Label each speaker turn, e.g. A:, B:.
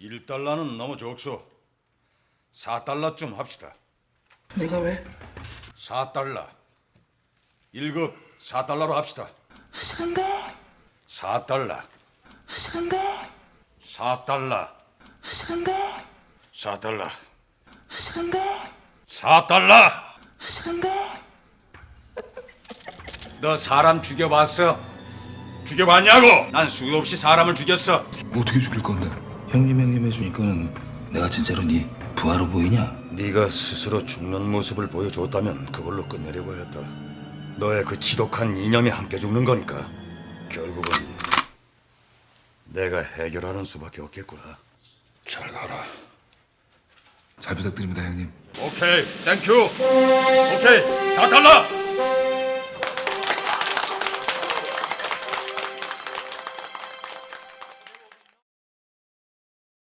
A: 1달러는 너무 적소. 4달러쯤 합시다.
B: 내가 왜?
A: 4달러. 1급 4달러로 합시다.
B: 상대?
A: 4달러.
B: 상대?
A: 4달러.
B: 상대?
A: 4달러.
B: 상대?
A: 4달러.
B: 상대?
A: 너 사람 죽여봤어? 죽여봤냐고? 난 수도 없이 사람을 죽였어.
C: 어떻게 죽일 건데? 형님 해주니까는 내가 진짜로 네 부하로 보이냐?
A: 네가 스스로 죽는 모습을 보여줬다면 그걸로 끝내려고 했다. 너의 그 지독한 이념이 함께 죽는 거니까 결국은 내가 해결하는 수밖에 없겠구나. 잘 가라.
C: 잘 부탁드립니다, 형님.
A: 오케이, 땡큐. 오케이, 4달러.